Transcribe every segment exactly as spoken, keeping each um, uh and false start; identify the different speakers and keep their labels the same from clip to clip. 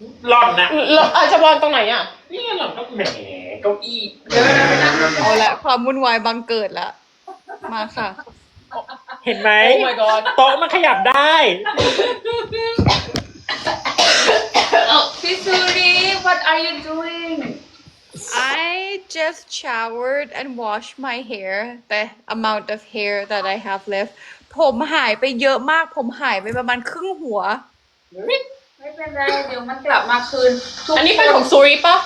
Speaker 1: หล่อนนะ
Speaker 2: เราอาจจะวางตรงไหนอ่ะ
Speaker 1: นี่หล่อนก็แหมเก้าอี้
Speaker 3: เดี๋ยวเราไปนั่ง
Speaker 4: เอาละความวุ่นวายบังเกิดละมาค่ะ
Speaker 1: เห็นไหม
Speaker 2: Oh my god
Speaker 1: โต๊ะมันขยับได้
Speaker 3: พี่ซูรี what are you doing
Speaker 4: I just showered and washed my hair the amount of hair that I have left ผมหายไปเยอะมากผมหายไปประมาณครึ่งหัว
Speaker 3: ไม่เป็นไรเดี๋ยวมันกลับมาคืนทุก
Speaker 2: อันนี้เป็นของซูริปะ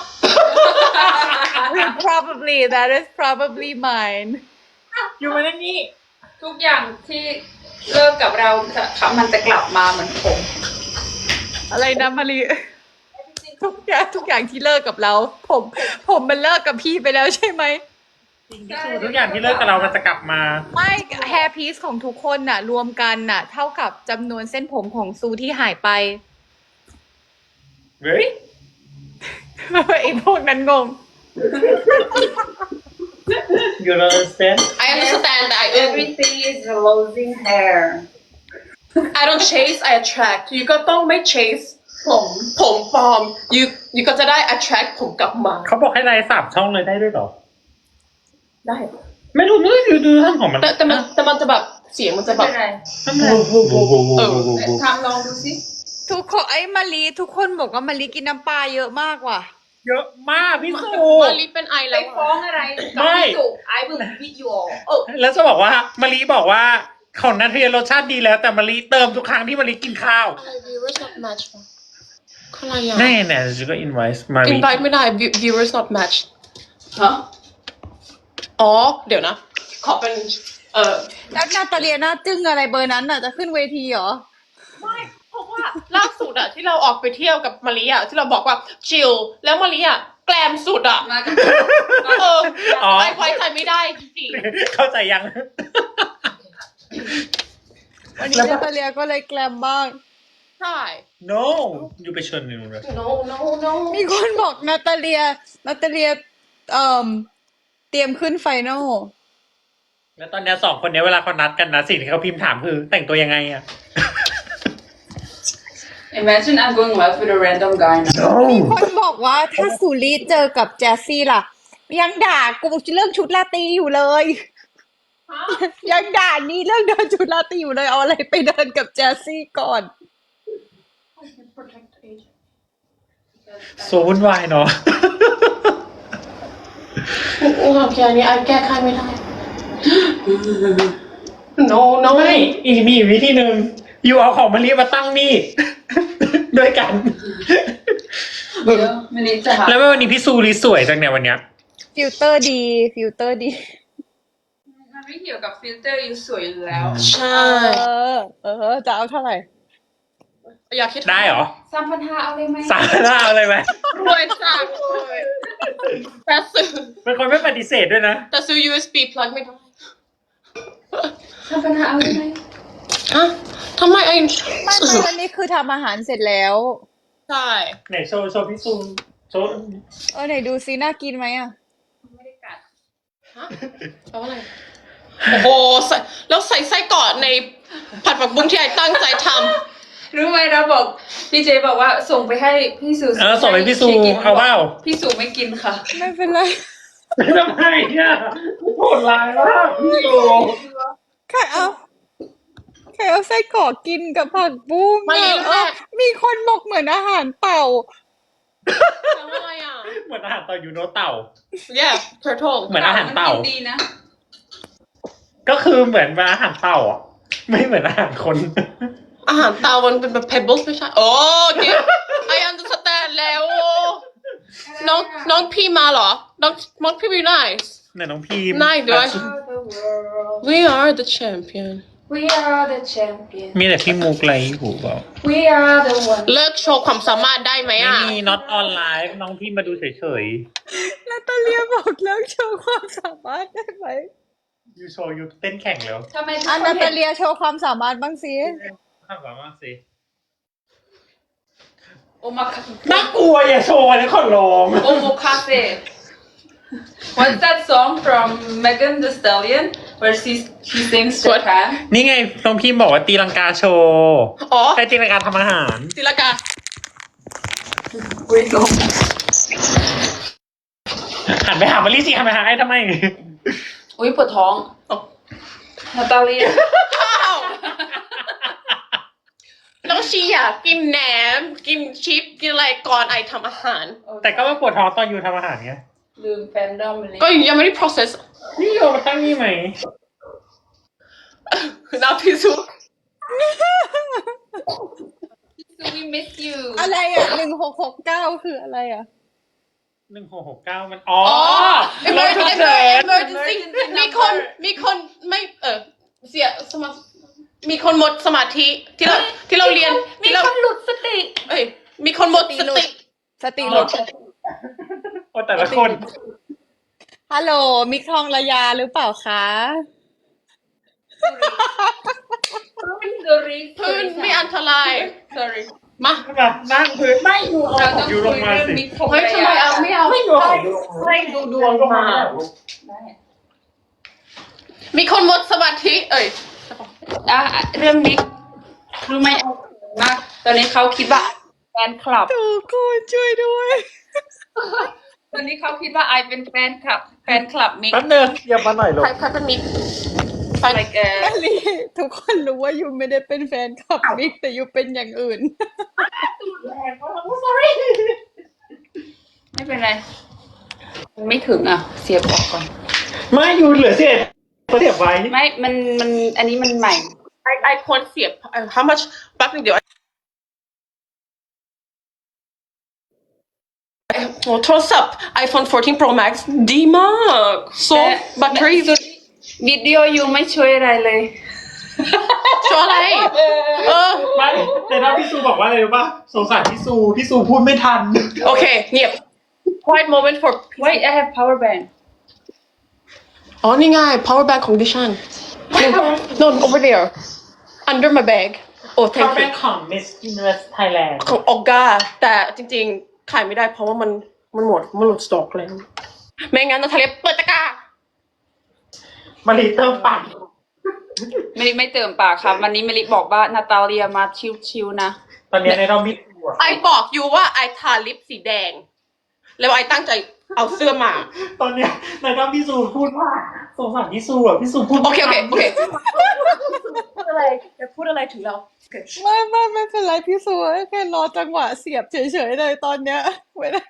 Speaker 4: probably that is probably mine
Speaker 1: อยู่มานั่นนี่
Speaker 3: ทุกอย่างที่เลิกกับเราจะมันจะกลับมาเหมือนผม
Speaker 4: อะไรนะมารีทุกอย่างทุกอย่างที่เลิกกับเรา ผมผมมันเลิกกับพี่ไปแล้วใช่ไหม
Speaker 1: จริงที่สุดทุกอย่างที่เลิกกับเรามันจะกลับมา
Speaker 4: ไม่ hair piece ของทุกคนน่ะ รวมกันน่ะ เท่ากับจำนวนเส้นผมของซูที่หายไป
Speaker 1: เฮ้ย
Speaker 4: ไอ้พวกนั้นงง
Speaker 1: you don't understand
Speaker 2: I understand that I
Speaker 3: everything is losing hair
Speaker 2: I don't chase I attract ยูก็ต้องไม่ chase
Speaker 3: ผม
Speaker 2: ผมปลอมยูยูก็จะได้ attract ผมกลับมา
Speaker 1: เขาบอกให้ไลน์สามช่องเลยได้ด้วยเหรอ
Speaker 2: ได้
Speaker 1: ไม่รู้ไม่ดูดูท่านของมัน
Speaker 2: แต่แต่มันแต่มันจะแบบเสียงมันจะแบ
Speaker 3: ไม่
Speaker 2: บ
Speaker 3: เป็นไร
Speaker 1: ทำไมโอ้โห
Speaker 3: ทำลองดูสิ
Speaker 4: ทุกคนไอ้มารีทุกคนบอกว่ามารีกินน้ำปลาเยอะมากว่ะ
Speaker 1: เยอะมากพี่สุ
Speaker 2: มาลิเป็นไอ
Speaker 3: ไป
Speaker 2: แล้ว
Speaker 3: ฟ้องอะไรกับพี่สุ I will beat you all
Speaker 2: เออ
Speaker 1: แล้วจะบอกว่ามารีบอกว่าของนัทเรียนรสชาติดีแล้วแต่มารีเติมทุกครั้งที่มารีกินข้าว
Speaker 2: อะไร viewers not match ปะอะไรอ่ะ
Speaker 1: แน่แน่จะก็ invite มารี
Speaker 2: invite ไม่ได้ view- viewers not match
Speaker 3: ฮะ
Speaker 2: อ๋อ เดี๋ยวนะ ขอเป็น เออ
Speaker 4: แล้วนาตาเลียน่าจึ้งอะไรเบอร์นั้นน่ะจะขึ้นเวทีเหรอ
Speaker 2: ไม่เพราะว่าล่าสุดอะที่เราออกไปเที่ยวกับมาริอะที่เราบอกว่าชิลแล้วมาริอะแกลมสุดอะ
Speaker 3: มากับ
Speaker 2: เออ
Speaker 1: อ๋อ
Speaker 2: ไว้ไว้ใจไม่ได้จริง
Speaker 1: เข้าใจยัง
Speaker 4: วันนี้นาตาเลียก็เลยแกลมบ้าง
Speaker 2: ๆใช่
Speaker 1: no อยู่ไปเชิญหนึ่งเลย
Speaker 2: no no no
Speaker 4: มีคนบอกนาตาเลียนาตาเลียเอ่อเตรียมขึ้นไฟนอล
Speaker 1: แล้วตอนเนี้ยสองคนเนี้ยเวลาเขานัดกันนะสิ่งที่เขาพิมพ์ถามคือแต่งตัวยังไงอะ
Speaker 3: Imagine I'm going left with a random guy now
Speaker 4: มีคนบอกว่าถ้าสุรีเจอกับแจสซี่ล่ะ ยังด่ากูเรื่องชุดลาตรีอยู่เลย ยังด่านี่เรื่องเดินชุดลาตรีอยู่เลยเอาอะไรไปเดินกับแจสซี่ก่อน
Speaker 1: โซวุ่นวายเนาะ
Speaker 2: โอ้โหแค่นี้ไอแก้ไขไม่ได้ no no
Speaker 1: ไม่อีกมีอีกวิธีหนึ่งอยู่เอาของมารีมาตั้งนี่ ด้วยกัน
Speaker 3: เดี๋ยววันนี้จะหา
Speaker 1: แล้ววันนี้พี่ซูรีสวยจังเนี่ยวันเนี้ย
Speaker 4: ฟิลเตอร์ดี ฟิลเตอร์ดี
Speaker 3: มันไม่เกี่ยวกับฟิลเตอร์อยู่สวยอยู่แล้ว
Speaker 2: ใช่
Speaker 4: เออ เออ จะเอาเท่าไหร่
Speaker 2: อยากคิด
Speaker 1: ได้เหรอ
Speaker 3: สามพันห้าเอาเลยไหม
Speaker 1: สามหน้าอะไรไหม
Speaker 2: รวยจังเลยแต่ซื้อ
Speaker 1: เป็นคนไม่ปฏิเสธด้วยนะ
Speaker 2: แต่ซื้อ ยู เอส บี plug ไม่ได้
Speaker 3: สามพันห้าเอาเลยไหม
Speaker 2: ฮะทำไมไอ
Speaker 4: ไม่ไม่วันนี้คือทำอาหารเสร็จแล้ว
Speaker 2: ใช่
Speaker 1: ไหนโชว์โชว์พี่ซูโชว์
Speaker 4: เออไหนดูซิน่ากินไหมอ่ะ
Speaker 3: ไม่ได้กัด
Speaker 2: ฮะแปลว่าอะไร โอ้โหใส่แล้วใส่ไส้กรอกในผัดผักบุ้งที่ไอตั้งใจท
Speaker 3: รู้ไหมเราบอกพี่เจบอกว่าส่งไปให้พี่สุ
Speaker 1: เออส่งไปพี่ซูเอาเปล่า
Speaker 3: พี่สุไม่กินค่ะ
Speaker 4: ไม่เป็นไร
Speaker 1: ทำไมเนี่ยโหดร้ายมากพี่ซู
Speaker 4: ใครเอาใครเอาไส้กรอกกินกับผักบุ้ง
Speaker 2: ำไม่
Speaker 4: อะ
Speaker 2: แม่
Speaker 4: เออมีคนบอกเหมือนอาหารเต่า
Speaker 2: แปลว่าอะไรอ่ะ
Speaker 1: เหมือนอาหารเต่ายูโนเต่า
Speaker 2: yeah turtle
Speaker 1: เหมือนอาหารเต่า
Speaker 3: มันกินดีนะ
Speaker 1: ก็คือเหมือนอาหารเต่าอ่ะ ไม่เหมือนอาหารคน
Speaker 2: อาหารเตามันเป็นแบบ pebbles ไม่ใช่ โอ้เดี๋ยว I understand แล้ว น้องน้องพี่มาเหรอ น้องน้องพี่ be nice
Speaker 1: เนี่ยน้องพีม
Speaker 2: Nice ด้วย
Speaker 3: The world
Speaker 2: we are the champion
Speaker 3: We are the champion
Speaker 1: มีแต่พี่มุกไรหูเปล่า
Speaker 3: We are the one
Speaker 2: เลิกโชว์ความสามารถได้ไหม
Speaker 1: ไม่
Speaker 2: อ่ะ
Speaker 1: มี not on live น้องพี่มาดูเฉย
Speaker 4: นาตาเลียบอกเลิกโชว์ความสามารถได้ไหม
Speaker 1: ๆยูโชว์ยูเต้นแข่งแล้ว
Speaker 3: ทำไมทุก
Speaker 4: อ่ะ
Speaker 3: คน
Speaker 4: นา
Speaker 3: เห็
Speaker 4: ตาน เลียโชว์ความสามารถบ้างสิ
Speaker 1: ข้ามามากสิ
Speaker 3: โอมาคา
Speaker 1: น่ากลัวอย่าโชว์นะขอร้อง
Speaker 3: โอโมคาเฟ่ What's that song from Megan Thee Stallion where she she sings Japan
Speaker 1: นี่ไงน้องพิมบอกว่าตีลังกาโชว์
Speaker 2: อ๋อ
Speaker 1: ใช่ตีลังกาทำอาหาร
Speaker 2: ศิลากา
Speaker 3: อุ้ยลง
Speaker 1: หันไปหามารีสิหันไปหาไอ้ทำไม
Speaker 3: อุ้ยปวดท้องนาตาเลีย
Speaker 2: อ้าวแล้วชีอยากกินแหนม กินชิป กินอะไรก่อนไอทำอาหาร
Speaker 1: แต่ก็มาปวดท้องตอนอยู่ทำอาหารไง
Speaker 3: ลืมแฟนดอมเลย
Speaker 2: ก็ยังไม่ได้ process
Speaker 1: นี่โยมาตั้งนี่ไหม
Speaker 2: น้ำพิซู
Speaker 3: we miss you
Speaker 4: อะไรอ่ะหนึ่งหกหกเก้าคืออะไรอ่ะ
Speaker 1: หนึ่งหกหกเก้ามันอ๋อ
Speaker 2: อ๋อ
Speaker 1: รถฉุก
Speaker 2: emergency
Speaker 1: เฉิน
Speaker 2: emergency มีคนมีคนไม่เออเสียสมามีคนหมดสมาธิที่เราที่เราเรียน
Speaker 3: มี
Speaker 2: ที่เรา
Speaker 3: คนหลุดสติ
Speaker 2: เอ้ยมีคนหมดสติ
Speaker 4: สติหลุด
Speaker 1: โอ้แต่ละคน
Speaker 4: ฮัลโหลมิกทองระยาหรือเปล่าคะ
Speaker 3: sorry
Speaker 2: พื้นไม่อันตราย sorry มา
Speaker 1: แบบนั่งพื้นไม่ดูเอา
Speaker 3: เรา
Speaker 1: ข
Speaker 3: ต้
Speaker 1: อ
Speaker 3: อง ง
Speaker 1: ยู
Speaker 3: คุ
Speaker 1: ล
Speaker 3: ย
Speaker 1: งมา
Speaker 3: เรื่อง
Speaker 1: สิ
Speaker 3: มิตรของ
Speaker 2: เฮ้ยทำไมเอาไม่เอา
Speaker 1: ไม่ดูเอายูลงมา
Speaker 2: ให้ดูดวงมา
Speaker 3: ได้
Speaker 2: มีคนหมดสมาธิเอ้ย
Speaker 3: อ่ะเรื่องมิกรู้ไหมมากตอนนี้เขาคิดว่าแฟนคลับ
Speaker 4: ทุกคนช่วยด้วย
Speaker 3: ตอนนี้เขาคิดว่าไอเป็นแฟนคลับ แฟนคลับมิก
Speaker 1: แป๊บนึงเดี๋ยวมาหน่อยลูก
Speaker 2: ใครใครเป็นมิกใคร
Speaker 3: like เออ
Speaker 4: นั่นเลยทุกคนรู้ว่ายูไม่ได้เป็นแฟนคลับมิกแต่ยูเป็นอย่างอื่น
Speaker 3: ไม่เป็นไรมันไม่ถึงอ่ะ เสียบออกก่อน
Speaker 1: ไม่ยูเหลือเศษเสียบไว้
Speaker 3: ไม่ มัน มัน อันนี้มันใหม่
Speaker 2: ไอไอควรเสียบ how much แป๊บนึงเดี๋ยวโอ้โทรศัพท์ iPhone fourteen Pro Max ดีมาก so
Speaker 3: แต่
Speaker 2: battery
Speaker 3: วิดีโอยูไม่ช่วยอะไรเลย
Speaker 2: ชัวร์อะไร เออ
Speaker 1: ไม่แต่ถ้าพี่ซูบอกว่าอะไรรู้ป่ะสงสารพี่ซูพี่ซูพูดไม่ทัน
Speaker 2: โอเค เงียบ quiet moment for
Speaker 3: Wait I have power bank
Speaker 2: อ๋อ นี่ไง power bank ของดิฉัน no no over there under my bag โอ้
Speaker 1: เขา
Speaker 2: thank
Speaker 1: เป็
Speaker 2: you
Speaker 1: นของ Miss Universe Thailand
Speaker 2: ของออกาแต่จริงๆ ขายไม่ได้เพราะว่ามันมันหมด มันหลุดสต็อกแล้วไม่งั้นนาทาเลียเปิดตะกร้า
Speaker 1: มารีเติมปั่น
Speaker 3: ไม่ไม่เติมปากครับ วันนี้เมลิบอกว่านาตาเลียมาชิวๆนะ
Speaker 1: ตอนนี้ในรอบมิดตัว
Speaker 2: ไอบอกอยู่ว่าไอทาลิปสีแดง แล้วไอตั้งใจเอาเสื้อมา
Speaker 1: ตอนเนี้ยในรอบพี่ซูพูดว่าสงสารพี่ซูอ่ะพี่ซูพูด
Speaker 2: โอเค โอเค โอเค พูดอะไรจะพูดอะไรถึงเรา
Speaker 4: ไม่ไม่ไม่เป็นไรพี่สัวแค่รอจังหวะเสียบเฉยๆเลยตอนเนี้ยไม่ได้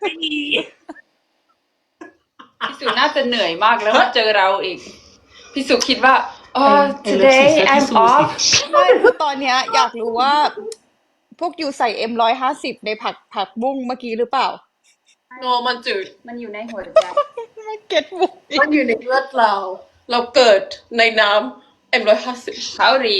Speaker 3: พี่สุน่าจะเหนื่อยมากแล้วมาเจอเราอีก พี่สุคิดว่าอ๋อ today I'm off
Speaker 4: ไม่คือตอนเนี้ยอยากรู้ว่า พวกยูใส่เอ็มร้อยห้าสิบในผักผักบุ้งเมื่อกี้หรือเปล่า
Speaker 2: โนมันจืด
Speaker 3: มันอยู่ในหัวใจ
Speaker 4: ไม่เก็ตบุกอีก
Speaker 2: มันอยู่ในเลือดเรา เราเกิดในน้ำเอ็มร้อยห้าสิบ
Speaker 3: เขารี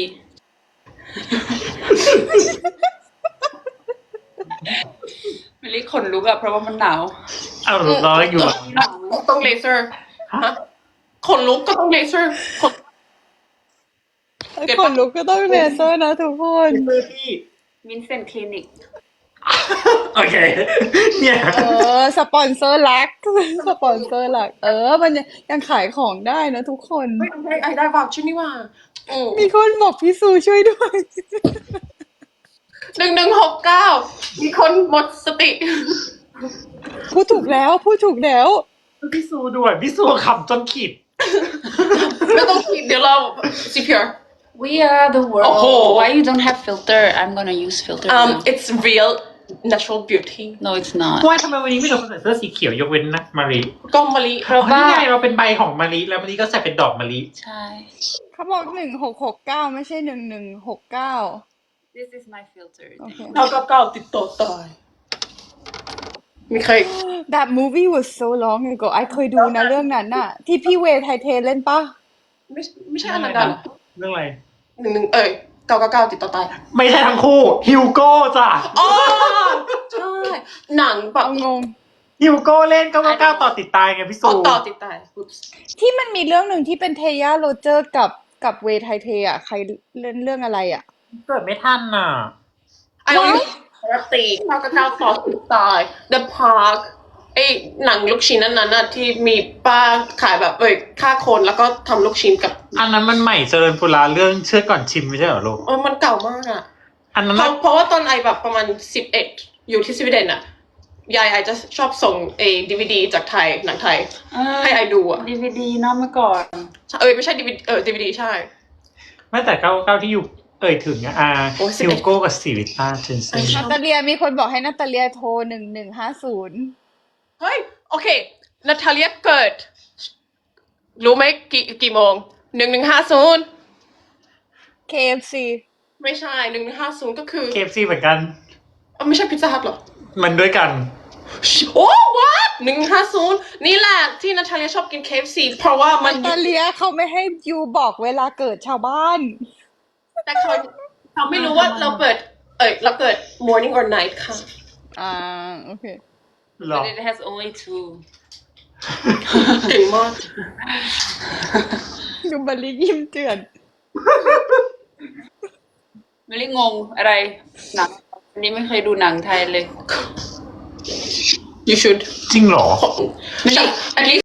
Speaker 3: เมลิขนลุกอะเพราะว่ามันหนาว
Speaker 1: เอาร้อยอยู่
Speaker 2: ต้องเลเซอร์ฮะขนลุกก็ต้องเลเซอร์ขน
Speaker 4: คนลุกก็ต้องเลเซอร์นะทุกคน
Speaker 1: มือที่
Speaker 3: มินเซนคลินิก
Speaker 1: โอเค เนี่ย
Speaker 4: เออ สปอนเซอร์หลัก สปอนเซอร์หลัก เออ มันยังยังขายของได้นะทุกคน
Speaker 2: เฮ้ยไอไอได้วาวชื่อนี่ว่าอืม
Speaker 4: มีคนบอกพี่ซูช่วยด้วย
Speaker 2: หนึ่งหนึ่งหกเก้ามีคนหมดสติ
Speaker 4: พูดถูกแล้วพูดถูกแล้ว
Speaker 1: พี่ซูด้วยพี่ซูขำจนขีด
Speaker 2: ไม่ต้องคิดเดี๋ยวเรา ซี พี อาร์
Speaker 3: We are the world
Speaker 2: โอ้โห
Speaker 3: Why you don't have filter I'm gonna use filter
Speaker 2: um
Speaker 3: now.
Speaker 2: it's real natural beauty
Speaker 3: No it's not
Speaker 1: ว่าทำไมวันนี้ไม่เราใส่เสื้อสีเขียวยกเว้นนะมารี
Speaker 2: ก็มะลิ
Speaker 3: เพราะ
Speaker 1: นี่
Speaker 3: ว่า
Speaker 1: ไงเราเป็นใบของมารีแล้วมารีก็ใส่เป็นดอกมารี
Speaker 3: ใช่
Speaker 4: เขาบอกหนึ่งหกหกเก้าไม่ใช่หนึ่งหนึ่งหกเก้า
Speaker 3: This is my filter
Speaker 4: โอเค
Speaker 2: เก้าเก้าเก้าติดต่อตาย มีใคร
Speaker 4: That movie was so long ago ไอเคยดูนะเรื่องนั้นน่ะ ที่พี่เวย์ไทเทเล่นปะ
Speaker 2: ไม่ไม่ใช่อนันดาเหรอ
Speaker 1: เรื่องอะไร
Speaker 2: หนึ่งหนึ่งเอ้ยเก้าเก้าเก้าติดต่อตาย
Speaker 1: ไม่ใช่ทั้งคู่ฮิวโก้จ้ะ
Speaker 2: อ๋อใช่ หนังแบบ
Speaker 4: เอางง
Speaker 1: ฮิวโก้เล่นก็ว่าก้าวต่อติดตายไงพี่ซู
Speaker 2: อ๋อต่อติดตาย Oops
Speaker 4: ที่มันมีเรื่องหนึ่งที่เป็นเทย่าโรเจอร์กับกับเวย์ไทเทอ่ะ ใครเล่นเรื่องอะไรอ่ะ
Speaker 1: เกิดไม่ทันน่ะ
Speaker 2: ไอ้นี่รัตตีเก้าเก้าเก้าต่อติดตาย The Park ไอ้หนังลูกชิ้นนั้นน่ะที่มีป้าขายแบบเอ้ยฆ่าคนแล้วก็ทำลูกชิ้นกับ
Speaker 1: อันนั้นมันใหม่เจริญปุราเรื่องเชื่อก่อนชิมไม่ใช่เหรอลูก
Speaker 2: เออมันเก่ามากอ่ะ
Speaker 1: อันนั้น
Speaker 2: เพ
Speaker 1: น่ะ
Speaker 2: ราะเพราะว่าตอนไอแบบประมาณสิบเอ็ดอยู่ที่สวีเดนอ่ะยายไอจะชอบส่งเอดีวีดีจากไทยหนังไทย ให้ไอดูอะ
Speaker 3: ดีวีดีเนาะเมื่อก่อน
Speaker 2: เออไม่ใช่ดีวีดีเออดีวีดีใช่
Speaker 1: ไม่แต่เก้าเก้าที่อยู่เอ่ยถึงอะอา
Speaker 2: โอ้ยสิบ
Speaker 1: ซิ
Speaker 2: เอ็
Speaker 1: ล
Speaker 2: ด
Speaker 1: โก้กับสิริต้าเจนเซ่น
Speaker 4: นาตาเลียมีคนบอกให้นาตาเลียโทรหนึ่งหนึ่งห้าศูนย์
Speaker 2: เฮ้ย โอเคนาทาเลียเกิด รู้ไหมกี่กี่โมงหนึ่งหนึ่งห้าศูนย์
Speaker 4: เค เอฟ ซี
Speaker 2: ไม่ใช่หนึ่งหนึ่งห้าศูนย์ก็คือ
Speaker 1: เคฟซีเหมือนกัน
Speaker 2: เอ้าไม่ใช่พิซซ่าฮัทหรอ
Speaker 1: มันด้วยกัน
Speaker 2: โอ้ what หนึ่งห้าศูนย์นี่แหละที่นาทาเลียชอบกิน เค เอฟ ซี เพราะว่ามัน
Speaker 4: นาตาเลียเขาไม่ให้ยูบอกเวลาเกิดชาวบ้าน
Speaker 2: แต่เขาเขาไม่รู้ว่าเราเปิด เอ้ยเราเกิด morning or night ค่ะ
Speaker 4: อ่าโอเค
Speaker 1: หรอ
Speaker 3: but it has only two
Speaker 2: เก่งมาก
Speaker 4: ดูบริยิ้มเจือน
Speaker 3: ไม่ได้งงอะไรหนังอันนี้ไม่เคยดูหนังไทยเลย
Speaker 2: you should
Speaker 1: จริงเหรอ
Speaker 2: ไม่ใช่ at least